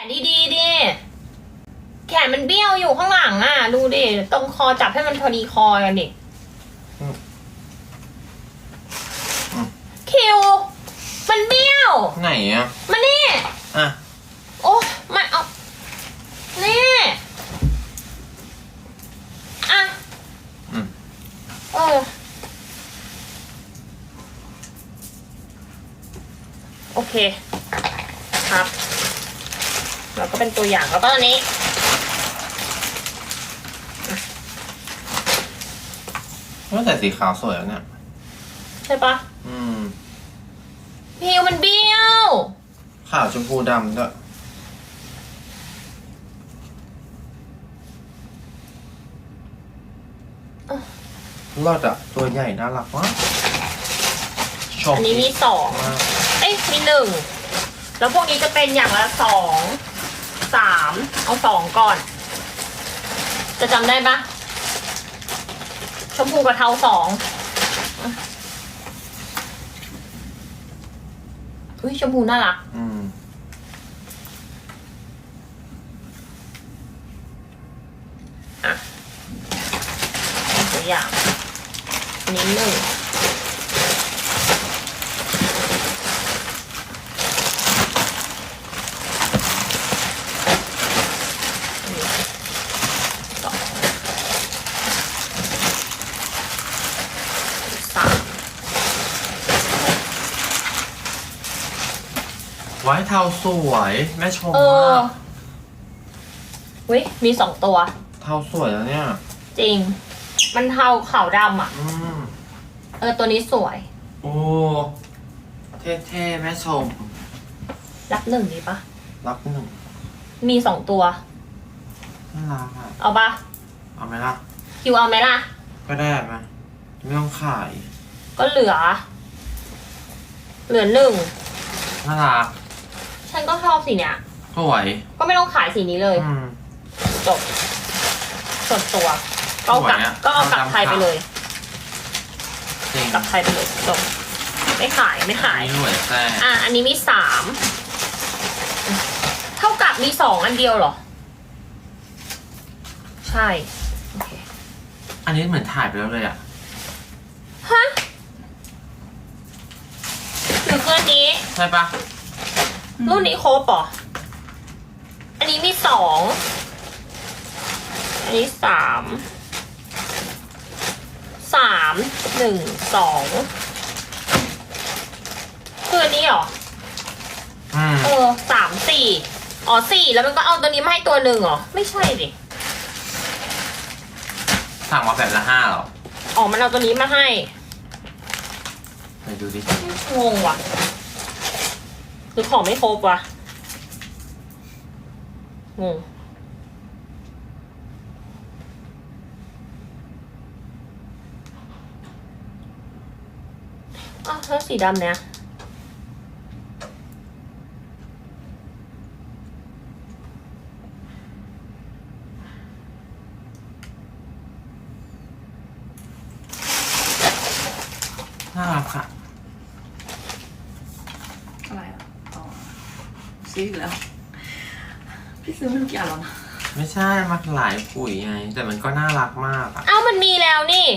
ดีๆดิแขนมันเบี้ยวอยู่ข้างหลังอ่ะดูดิตรงคอจับให้มันพอดีคอกันดิคิวมันเบี้ยวไหนอ่ะมานี่อ่ะโอ้มาเอานี่อ่ะโอเคครับแล้วก็เป็นตัวอย่างแล้วก็อันนี้ว่าแต่สีขาวสวยแล้วเนี่ยใช่ปะผิวมันเบี้ยวขาวชมพูดำด้วยรอดอ่ะตัวใหญ่น่ารักมากอันนี้มี2เอ้ยมี1แล้วพวกนี้จะเป็นอย่างละ2 3เอา2ก่อนจะจำได้ปะชมพูกับเทา2อุ้ยชมพูน่ารักอ่ะตัวอย่างนี้1 ไว้เทาสวยแม่ชมมากวิมี2ตัวเทาสวยแล้วเนี่ยจริงมันเทาขาวดำอ่ะตัวนี้สวยโอ้เท่ๆแม่ชมรับ1ดีปะรับ1 มี2ตัวน่ารักอ่ะเอาปะเอาไหมล่ะคิวเอาไหมล่ะก็ได้ไหมไม่ต้องขายก็เหลือ1 น่ารักฉันก็ชอบสีเนี้ยสวยก็ไม่ต้องขายสีนี้เลยจบส่วนตัวก็เอากลับไทยไปเลยกลับไทยไปเลยจบไม่ขายหน่วยแท้อันนี้มี3เท่ากับมี2อันเดียวเหรอใช่โอเคอันนี้เหมือนถ่ายไปแล้วเลยอ่ะฮะหรือคืออันนี้ใช่ปะรุ่นนี้ครบป่ะอันนี้มี2อันนี้3 1 2คืออันนี้เหรอ3 4 4แล้วมันก็เอาตัวนี้มาให้ตัวหนึ่งเหรอไม่ใช่ดิสั่งมาแบบละ5หรอมันเอาตัวนี้มาให้ไปดูดิงงว่ะหรือของไม่ครบวะงงแล้วสีดำเนี่ยน่ารักค่ะอะไรอ่ะซื้ออีกแล้วพี่ซื้อไม่รู้กี่อันแล้วนะไม่ใช่มันหลายปุ๋ยไงแต่มันก็น่ารักมากอ่ะมันมีแล้วนี่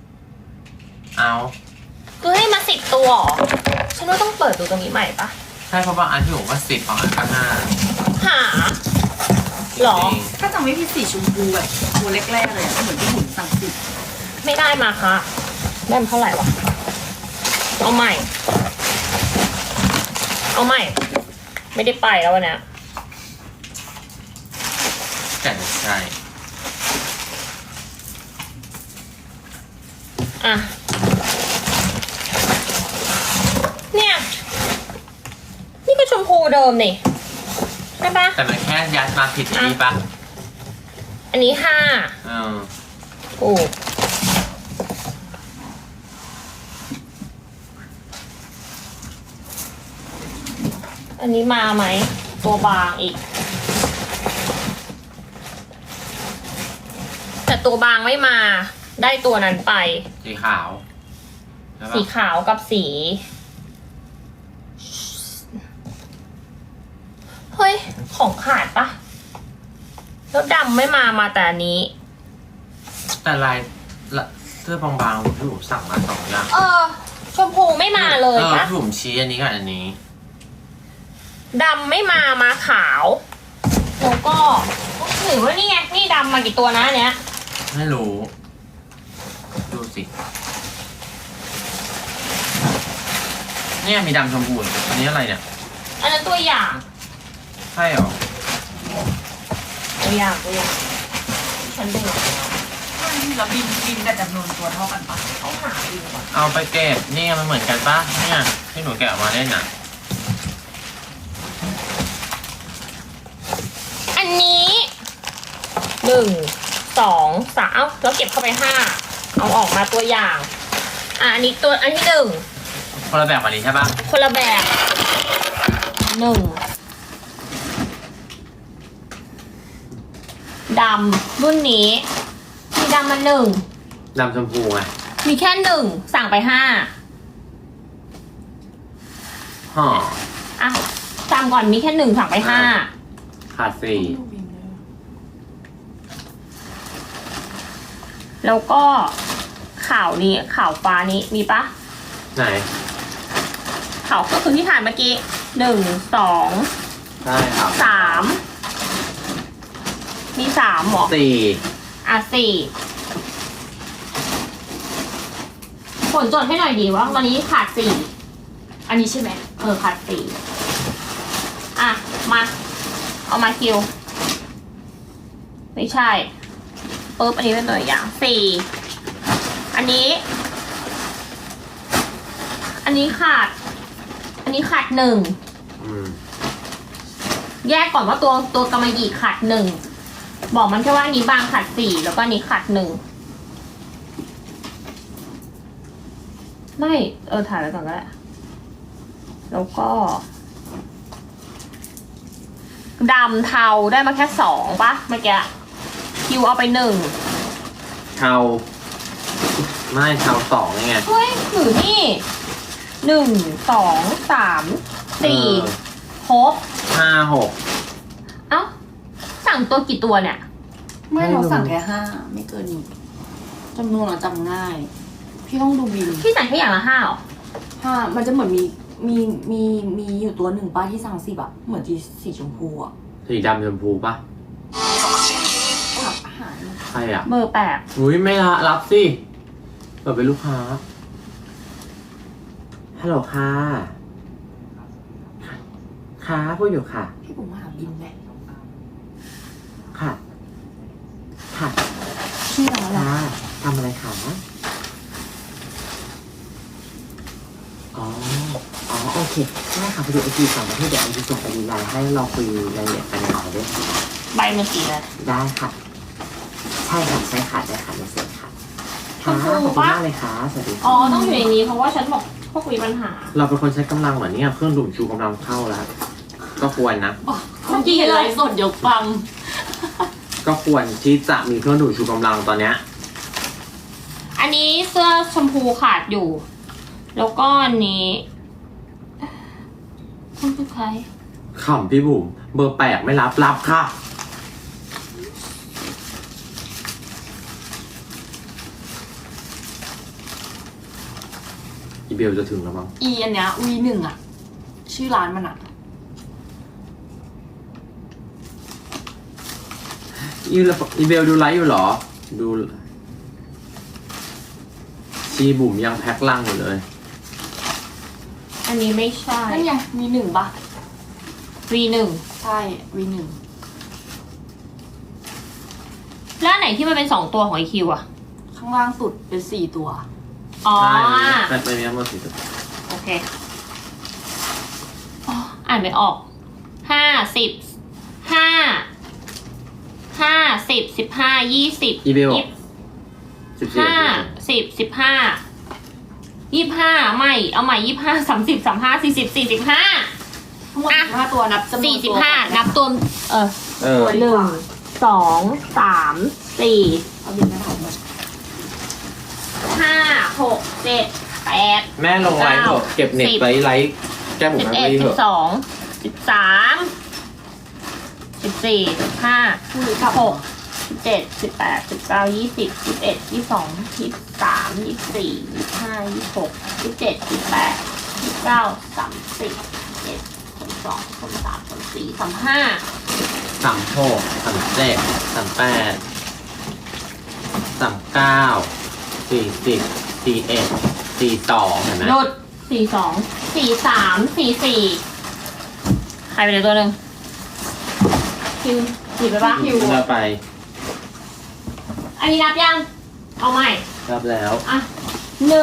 คือให้มา10 ตัวฉันว่าต้องเปิดดูตรงนี้ใหม่ปะใช่เพราะบางอันที่ผมว่า10บางอันก็5 หาหรอถ้าจำไม่ผิดสีชมพูแบบตัวแรกๆเลยเหมือนที่หุ่นสั่งสิไม่ได้มาค่ะได้มาเท่าไหร่วะเอาใหม่ไม่ได้ไปแล้ววันนี้แต่ใช่เนี่ยนี่ก็ชมพูเดิมนี่ใช่ปะแต่มันแค่ยัดมาผิดนี่ปะอันนี้5โอ้อันนี้มาไหมตัวบางอีกแต่ตัวบางไม่มาได้ตัวนั้นไปสีขาวกับสี เเฮ้ย ของขาดปะแล้วดำไม่มาแต่อันนี้แต่ลายละเสื้อบางๆที่ผมสั่งมาสองอย่างชมพูไม่มาเลยปะที่ผมชี้อันนี้กับอันนี้ดำไม่มาขาว แล้วก็หรือว่านี่ไง นี่ดำมากี่ตัวนะอันเนี้ยไม่รู้ ดูสิเนี่ยมีดำชมพูอันนี้อะไรเนี่ยอันนั้นตัวอย่างใช่หรอตัวอย่างฉันดูที่เราบินแต่จำนวนตัวเท่ากันปะเขาหาดูก่อนเอาไปเก็บนี่มันเหมือนกันปะเนี่ยที่หนูแกะออกมาเล่นน่ะอันนี้1 2 3แล้วเก็บเข้าไป5เอาออกมาตัวอย่างอันนี้ตัวอันที่1 คนละแบบอันนี้ใช่ปะคนละแบบดำรุ่นนี้มีดำมา1 ดำชมพูไงมีแค่1สั่งไป5 ห่ออ่ะจำก่อนมีแค่1สั่งไป5 ขาดสี่ดูบินเลยแล้วก็ข่าวนี้ข่าวฟ้านี้มีปะไหนข่าวก็คือที่ถ่ายเมื่อกี้1 2 ใช่ครับ 3มี3หรอสี่อ่ะ4ผลจดให้หน่อยดีว่าวันนี้ขาด4อันนี้ใช่ไหมขาด4อ่ะมาเอามาคิวไม่ใช่ปุ๊บอันนี้เป็นตัวอย่าง4อันนี้ขาด1 อืมแยกก่อนว่าตัวกำมะหยี่ขาด1บอกมันแค่ว่าอันนี้บางขาด4แล้วก็อันนี้ขาด1ไม่ถ่ายไว้ก่อนก็ได้แล้วก็ดำเทาได้มาแค่2ปะเมื่อกี้คิวเอาไป1 เทาไม่เทาสองไงเฮ้ยหรือนี่1 2 3 4ครบห้าหกเอ้าสั่งตัวกี่ตัวเนี่ยไม่เราสั่งแค่5ไม่เกินนี้จำนวนเราจำง่าย พี่ต้องดูบินพี่สั่งแค่อย่างละ5หรอ 5มันจะเหมือนมีอยู่ตัวหนึ่งป้าที่สั่ง10อะเหมือนที่สีชมพูอะสีดำชมพูปะกับอาหารใครอ่ะเบอร์8 อุ้ยไม่รับสิเปิดเป็นลูกค้า ฮัลโหลค่ะ ค่ะพูดอยู่ค่ะพี่ผมหาบินไหมค่ะ ค่ะชื่ออะไรค่ะทำอะไรคะอ๋อ โอเคได้ค่ะพอดีไอจีสองประเทศเดี๋ยวไอจีส่งไปดีไลน์ให้เราคุยรายละเอียดกันในไลน์ด้วยค่ะใบมันสีอะไรได้ค่ะ ใช่ค่ะ ใช่ค่ะ ได้ค่ะไม่เสียค่ะชค่ะมขพูอบคุณปะมากเลยค่ะ สวัสดีค่ะอ๋อต้องอยู่ในนี้เพราะว่าฉันบอกพวกมีปัญหาเราเป็นคนใช้กำลังเหมือนเนี่ยเครื่องดูดชูกำลังเข้าแล้ว ก็ควรนะเมื่อกี้เห็นไลฟ์สดยกฟังก็ควรที่จะมีเครื่องดูดชูกำลังตอนเนี้ยอันนี้เสื้อชมพูขาดอยู่ แล้วก็อันนี้คุณคือใครขำพี่บุ๋มเบอร์แปลกไม่รับค่ะ อีเบลจะถึงแล้วมั้งอันเนี้ย V1 อะชื่อร้านมันอะอีเบลดูไลฟ์อยู่เหรอ ดูชีบุ๋มยังแพ็คลังอยู่เลยอันนี้ไม่ใช่นั่นไง V1 ปะ V1 ใช่ V1 แล้วอันไหนที่มันเป็น2ตัวของ IQ อ่ะข้างล่างสุดเป็น4ตัวอ๋อใช่แต่ไม่มีทั้งหมดสี่ตัวโอเคอ๋ออ่านไม่ออก50 20 อีเบล 20 14 25ไม่เอาใหม่25 30 35 40 45 ทั้งหมด15ตัวนับจำนวนตัว 45นับตัวเออ 1 2 3 4 เอาบินมาถ่ายหมด 5 6 7 8 แม่ลงไลฟ์เถอะเก็บเน็ตไว้ไลฟ์แก้บุ๋ม 11 ไว้เถอะ 12 13 14 15 16 17 18 19 20 21 22 23 24 25 26 27 28 29 30 31 32 33 34 35 36 37 38 39 40 41 42เห็นไหมหยุด42 43 44ใครไปเลยตัวหนึ่งคิวหยิบไปปะคิวเราไปอันนี้นับยัง เอาใหม่รับแล้วอ่ะ1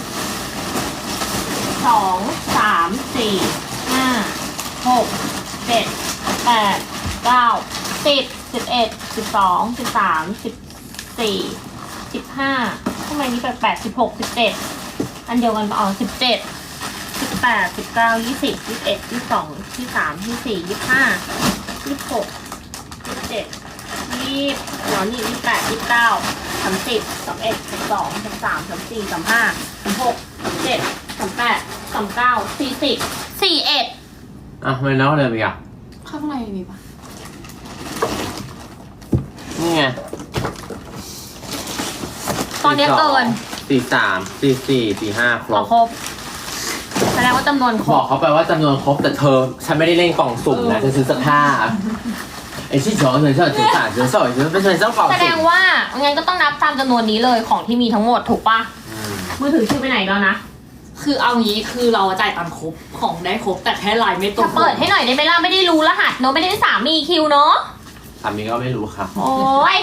2 3 4 5 6 7 8 9 10 11 12 13 14 15ทำไมนี่แปลกๆ16 17อันเดียวกันปะอ๋อ17 18 19 20 21 22 23 24 25 26 27 20หัวนี่28 29 30 31 32 33 34 35 36 37 38 39 40 41 อ่ะทำไมน้องเดินไปอ่ะข้างในมีปะนี่ไงตอนนี้เกิน 43 44 45 ครขอบ ครบแสดงว่าจำนวนครบอกบเขาไปว่าจำนวนครบแต่เธอ ฉันไม่ได้เล่นกล่องสุ่มนะฉันซื้อเสื้อผ้าไอ้ที่สองฉันชอบซื้อผ้าฉันชอบเป็นเจ้ากล่องแสดสุ่งมว่างั้นก็ต้องนับตามจำนวนนี้เลยของที่มีทั้งหมดถูกปะอืมมือถือชื่อไปไหนแล้วนะคือเอางี้คือเราจ่ายตังค์ครบของได้ครบแต่แค่ลายไม่ตรจะงเปิดให้หน่อยได้ไหมล่ะไม่ได้รู้รหัสเนอะไม่ได้สามีคิวเนอะสามีก็ไม่รู้ค่ะโอ้ย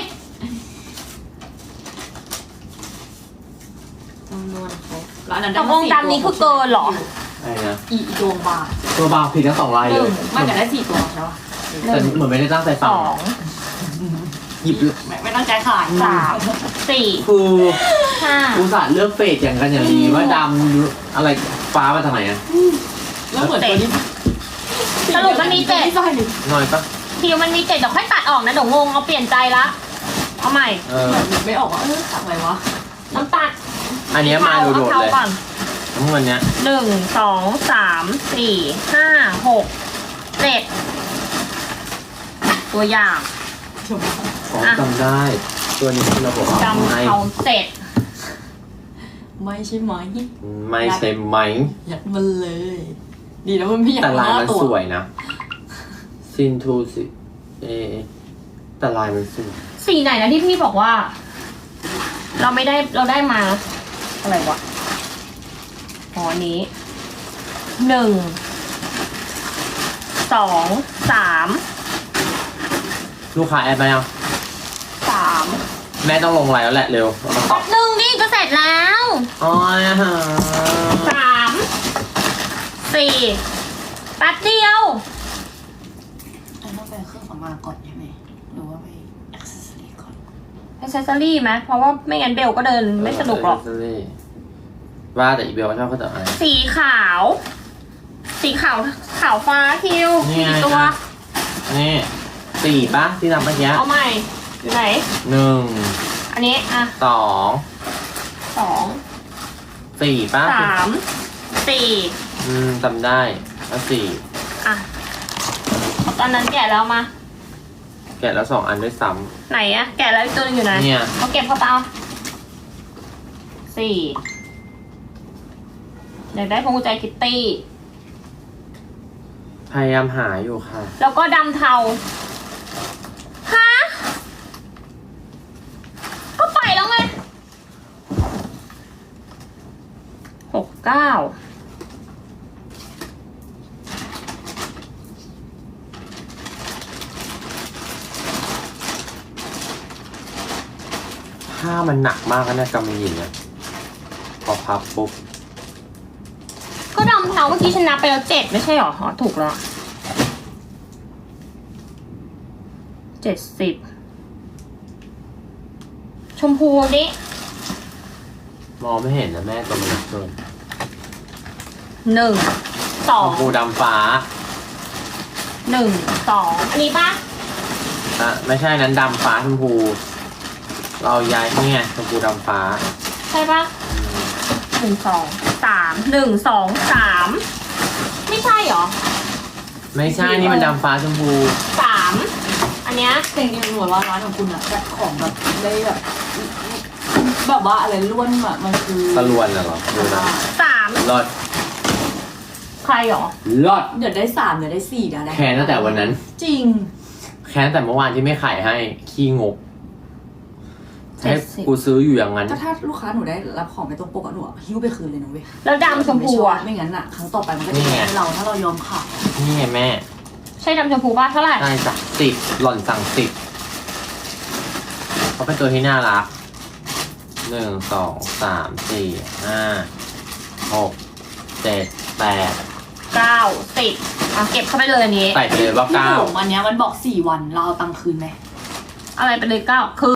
จำนวนครบแล้วอันนั้นตกลงตามนี้คือเกินเหรออะไรนะอีดวงบาทตัวบางผิดทั้งสองลายเลยมันจะได้4 ตัวใช่ปะแต่เหมือนไม่ได้ตั้งใจสฟังองหยิบไม่ตั้งใจขายสามสี่คือห้าอุตส่าห์เลือกเฟดอย่างกันอย่างดีว่าดำอะไรฟ้ามาจากไหนอะแล้วเหมือนตัวนี้สรุปมันมีเจ็ดใช่หนึ่งน้อยปะคิวมันมีเจ็ดเดี๋ยวค่อยตัดออกนะเดี๋ยวงงเอาเปลี่ยนใจละเอาใหม่เออไม่ออกว่าตัดอะไรวะน้ำตาลอันเนี้ยมาโดดๆเอาเลยก่อนทั้งวันเนี้ย 1 2 3 4 5 6 7ตัวอย่างอ๋อจำได้ ตัวนี้ที่เราบอกว่าจำไม่เอาเสร็จไม่ใช่ไหมไม่ใช่ไหมยัดมันเลย ดีนะมันไม่อยากแต่ลาย 5 มันตัวสวยนะซินทูสิแต่ลายมันสวยสีไหนนะที่พี่บอกว่า เราได้มาอะไรวะอ๋ออันนี้1 2 3 ลูกค้าแอดมายัง 3 แม่ต้องลงไลน์แล้วแหละเร็วเอามาตแป๊อบบนึงนี่จะเสร็จแล้วอ๋อ 3 4แป๊บเดียวอันนั้นไปเครื่องสำอางก่อนใช่ไหมหรือว่าไปอ็อกเซสซอรี่ก่อนอ c เซสซอรี่ไหมเพราะว่าไม่งั้นเบลก็เดินไม่สนุกหรอกว่าแต่อีเบลชอบเขาแต่อะไรสีขาว สีขาวขาวฟ้าคิวนี่ไงกี่ตัวอ่ะ นี่4ปะที่ทำเมื่อกี้เอาใหม่อยู่ไหน 1 อันนี้อ่ะ 2 2 4ปะ 3 4 จำได้แล้วอ่ะตอนนั้นแกะแล้วมา 4แกะแล้ว2 อันด้วยซ้ไหนอะแกะแล้วอีกตัวหนึงอยู่ไหนำเนี่ยเอาเก็บเข้าไปเอา4อยากได้พวงกุญแจคิตตี้พยายามหาอยู่ค่ะแล้วก็ดำเทาฮะก็ไปแล้วไง69 ผ้ามันหนักมากนะเนี่ยกำมะหยี่เนี่ยพอพับปุ๊บก็ดำเทาเมื่อกี้ฉันนับไปแล้ว7ไม่ใช่หรออ๋อถูกแล้ว70ชมพูนี้มองไม่เห็นนะแม่ตัวมันหนักเกิน 1 ชมพู 2 ดำฟ้า 1 2อันนี้ปะอ่ะไม่ใช่นั้นดำฟ้าชมพู เราย้ายนี่ไงชมพูดำฟ้าใช่ปะ1 2 3 1 2 3ไม่ใช่หรอไม่ใช่นี่มันดำฟ้าชมพู 3 เนี้ยแต่จริงๆหนูว่าร้านของคุณอะจัดของแบบได้แบบว่าอะไรล้วนอะมันคือตะลวนน่ะเหรอดูนะ 3 รอดใครหรอรอดเดี๋ยวได้3เดี๋ยวได้4เดี๋ยวได้แค้นตั้งแต่วันนั้นจริงแค้นแต่เมื่อวานที่ไม่ขายให้ขี้งกให้กูซื้ออยู่อย่างนั้นก็ถ้าลูกค้าหนูได้รับของไม่ตรงปกอะหนูหิ้วไปคืนเลยนะเว้ยแล้วดำชมพูอะไม่งั้นอะครั้งต่อไปมันก็จะแย่เราถ้าเรายอมขายนี่ไงแม่ใช่ดำชมพูป่ะเท่าไหร่ได้จ้ะ10หล่อนสั่ง10เขาเป็นตัวที่น่ารัก1 2 3 4 5 6 7 8 9 10อ่ะเก็บเข้าไปเลยอันนี้ใส่ไปเลยว่าพี่ 9 ผมอันเนี้ยมันบอก4 วันเราเอาตังค์คืนไหมอะไรไปเลย9คือ